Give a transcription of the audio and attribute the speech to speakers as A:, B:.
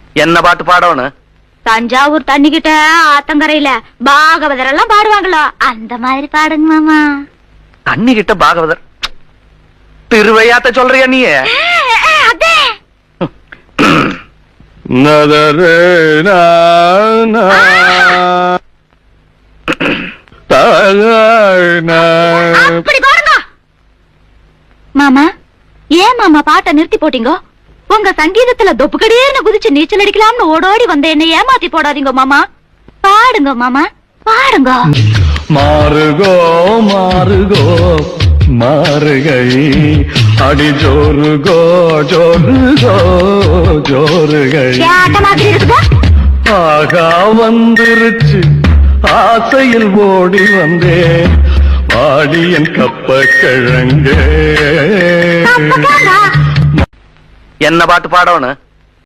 A: என்ன பாட்டு பாடணும்?
B: தஞ்சாவூர் தண்ணிக்கிட்ட ஆத்தங்கரையில பாகவதர் எல்லாம் பாடுவாங்களோ அந்த மாதிரி பாடுங்க மாமா.
A: தண்ணி கிட்ட பாகவதர் திருவையாத்த சொல்றியா நீ?
B: அதே அப்படி பாருங்க மாமா. ஏன் மாமா பாட்டை நிறுத்தி போட்டீங்க? உங்க சங்கீதத்துல தொப்புக்கடியேன்னு குதிச்சு நீச்சல் அடிக்கலாம்னு ஓடோடி வந்த என்ன ஏமாத்தி போடாதீங்க மாமா. பாடுங்க மாமா, பாடுங்க.
C: மாறுகோ மாறுகோ மாறுகை அடி ஜோருகோ ஜோருகோ ஜோருகை ஆகா வந்துருச்சு ஆசையில் ஓடி வந்தேன் வாடியன் கப்ப கிழங்கே.
A: என்ன பாட்டு பாடணும்?